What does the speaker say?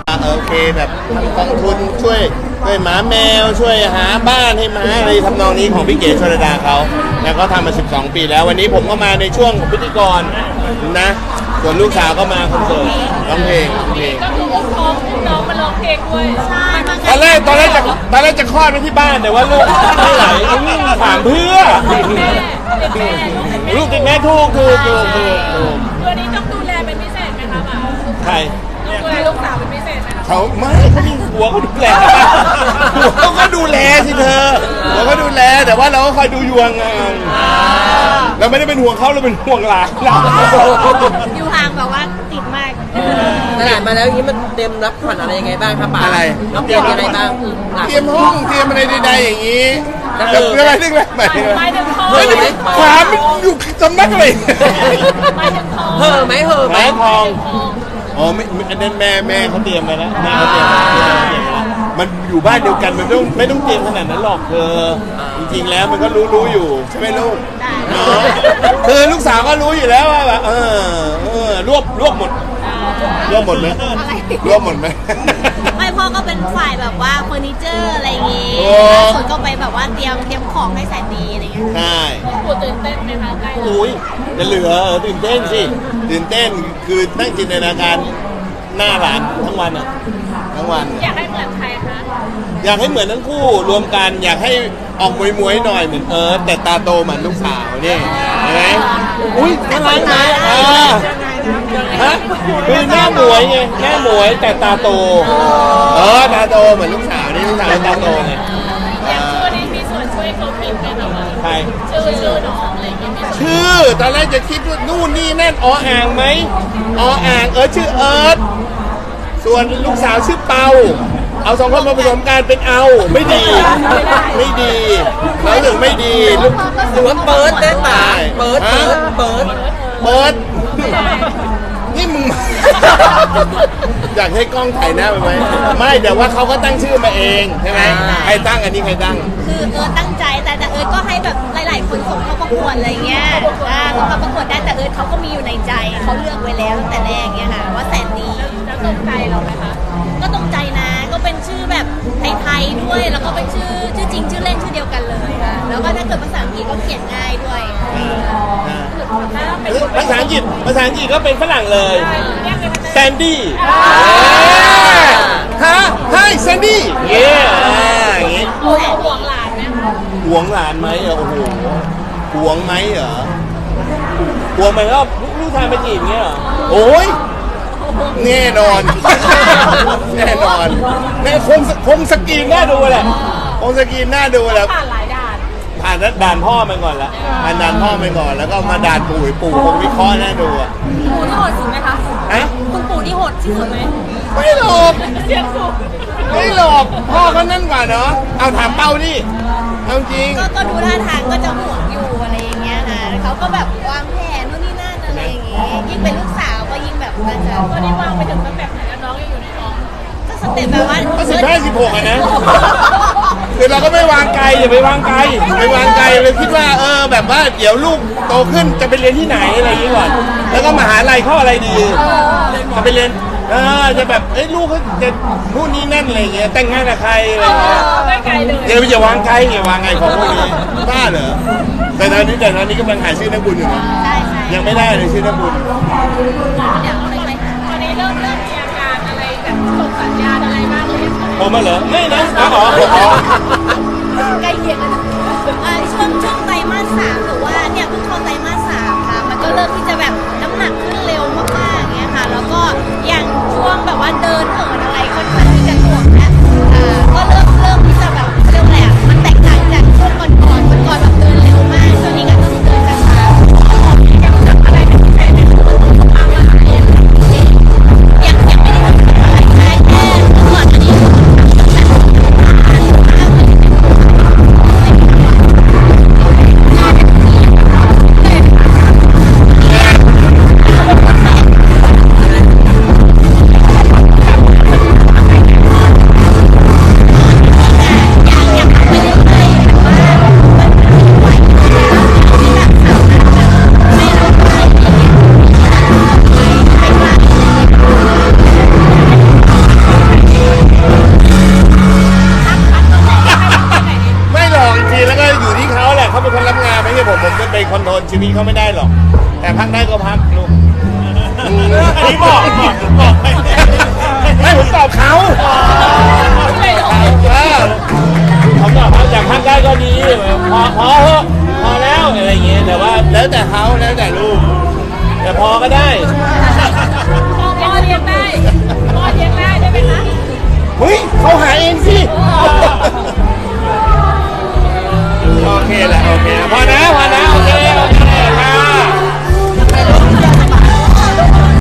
โอเคแบบกองทุนช่วยหมาแมวช่วยหาบ้านให้หมาอะไรทำนองนี้ของพี่เก๋ชลดาเขาแล้วก็ทำมา12 ปีแล้ววันนี้ผมก็มาในช่วงของพิธีกรนะส่วนลูกสาวก็มาคอนเสิร์ตร้องเพลงก็คืออุ้มท้องอุ้มน้องมาร้องเพลงด้วยใช่ตอนแรกจะคลอดไปที่บ้านแต่ว่าลูกไม่ไหลถามเพื่อลูกติดแม่ถูกวันนี้ต้องดูแลเป็นพิเศษไหมคะหมาใครต้องดูแลลูกสาวเป็นพิเศษไหมคะเขามีหัวเขาดูแลหัวเขาดูแลสิเธอหัวเขาดูแลแต่ว่าเราก็คอยดูยวงเราไม่ได้เป็นห่วงเขาเราเป็นห่วงหลานอยู่ห่างแบบว่าติดมากตลาดมาแล้วนี้มันเตรียมรับขวัญอะไรยังไงบ้างครับป๋าอะไรรับเตรียมยังไงบ้างเตรียมห้องเตรียมอะไรใดๆอย่างนี้แต่เพื่ออะไรนึกแบบไม่ถึงท้องความอยู่สำนักเลยไม่ถึงท้องเห่อไหมทองอ๋อไม่อันนั้นแม่เขาเตรียมมาแล้วแม่เขาเตรียมมันอยู่บ้านเดียวกันมันไม่ต้องเตรียมขนาดนั้นหรอกเธอจริงๆแล้วมันก็รู้อยู่ใช่ไหมลูกคือลูกสาวก็รู้อยู่แล้วว่าแบบรวบหมดไหมรวบหมดไหมไม่พ่อก็เป็นฝ่ายแบบว่าเฟอร์นิเจอร์อะไรอย่างงี้ส่วนก็ไปแบบว่าเตรียมของให้แสนดีอะไรเงี้ยใช่ปู่ตื่นเต้นไหมคะใกล้อุ้ยจะเหลือตื่นเต้นสิตื่นเต้นคือตั้งจินตนาการหน้าหลานทั้งวันทั้งวันอยากให้เหมือนใครคะอยากให้เหมือนทั้งคู่รวมกันอยากให้ออกมวยหน่อยเหมือนแต่ตาโตเหมือนลูกสาวนี่เห็นไหมอุ้ยน่ารักไหมฮะคือหน้าหมวยไงหน้าหมวยแต่ตาโตตาโตเหมือนลูกสาวนี่ลูกสาวตาโตไงชื่อนี้มีส่วนช่วยเขาคิดไหมคะใครชื่อน้องอะไรอย่างเงี้ยชื่อตอนแรกจะคิดว่านู่นนี่นั่นอ่างไหมอ่างชื่อเอิร์ธส่วนลูกสาวชื่อเปาเอา2 คนมาผสมกันเป็นไม่ดีแล้วถึงไม่ดีลูกหรือว่าเปิดได้ป่ะเปิดนี่มึงอยากให้กล้องถ่ายหน้าไปไหมไม่เดี๋ยวว่าเขาก็ตั้งชื่อมาเองใช่ไหมใครตั้งอันนี้ใครตั้งคือตั้งใจแต่เอิร์ธก็ให้แบบหลายๆคนส่งเข้าประกวดอะไรเงี้ยส่งเข้าประกวดได้แต่เอิร์ธเขาก็มีอยู่ในใจเขาเลือกไว้แล้วตั้งแต่แรกเงี้ยค่ะว่าแสนดีแล้วตรงใจเราไหมคะก็ตรงใจนะก็เป็นชื่อแบบไทยๆด้วยแล้วก็เป็นชื่อจริงชื่อเล่นชื่อเดียวกันเลยค่ะแล้วก็ถ้าเกิดภาษาอังกฤษก็เขียนง่ายด้วยภาษาอังกฤษก็เป็นฝรั่งเลยแซนดี้แซนดี้อย่างงี้ห่วงหลานไหมหวงหลานไหมโอ้โหหวงไหมเหรอหวงไหมก็ลูกชายไปจีบเงี้ยเหรอโอ้ยแน่นอนแม่คงสกรีนน่าดูแหละคงสกรีนน่าดูแหละผ่านหลายด่านผ่านด่านพ่อไปก่อนละด่านพ่อไปก่อนแล้วก็มาด่านปู่คงวิเคราะห์น่าดูอ่ะปู่ที่โหดสุดไหมคะคุณปู่ที่โหดที่สุดไหมไม่หลอกเสียงสูงไม่หลอกพ่อเขานั่นกว่าเนาะเอาถามเป้าดิเอาจริงก็ดูท่าทางก็จะห่วงอยู่อะไรอย่างเงี้ยนะเขาก็แบบวางแผนนู่นนี่นั่นอะไรอย่างเงี้ยยิ่งเป็นลูกสาวก็ยิ่งแบบน่าจะตอนนี้วางไปถึงสเต็ปไหนแล้วน้องยังอยู่ในท้องก็สเต็ปแบบว่าก็15-16นะคือเราก็ไม่วางไกลอย่าไปวางไกลเลยคิดว่าแบบว่าเดี๋ยวลูกโตขึ้นจะไปเรียนที่ไหนอะไรอย่างงี้ก่อนแล้วก็มหาลัยเข้าอะไรดีจะไปเรียนจะแบบลูกเขาจะนู่นนี่นั่นอะไรเงี้ยแต่งงานกับใครอะไรเงี้ยไม่ไกลเลยอย่าวางไกลวางไงของพวกนี้บ้าเหรอแต่ตอนนี้กำลังหาชื่อนักบุญอยู่นะยังไม่ได้เลยชื่อนักบุญตอนนี้เริ่มมีอาการอะไรแบบส่งสัญญาณอะไรบ้างเลยผมมาเหรอไม่นะใกล้เคียงกันช่วงไตรมาส 3หรือว่าเนี่ยเพิ่งเข้าไตรมาส 3ค่ะมันก็เริ่มที่จะแบบน้ำหนักขึ้นเร็วมากๆเงี้ยค่ะแล้วก็อย่างช่วงแบบว่าเดินเหินอะไรค่อนข้างที่จะหน่วงนะก็เริ่มที่จะแบบเรียกอะไรมันแตกต่างจากช่วงก่อนแบบเดินเร็วมากช่วงนี้ก็ต้องเดินช้าๆอะไรเป็นพิเศษในช่วงยังไม่ได้ทำอะไรแค่ก่อนอันนี้พี่เขาไม่ได้หรอก แต่พักได้ก็พักลูกอันนี้บอกไม่ผมตอบเขาเขาตอบเขาอยากพักได้ก็ดีพอเถอะพอแล้วอะไรอย่างเงี้ยแต่ว่าแล้วแต่เขาแล้วแต่ลูกแต่พอก็ได้พ่อเลี้ยงได้พ่อเลี้ยงได้ได้ไหมคะเฮ้ยเขาหาเองสิโอเคแหละโอเคพอนะ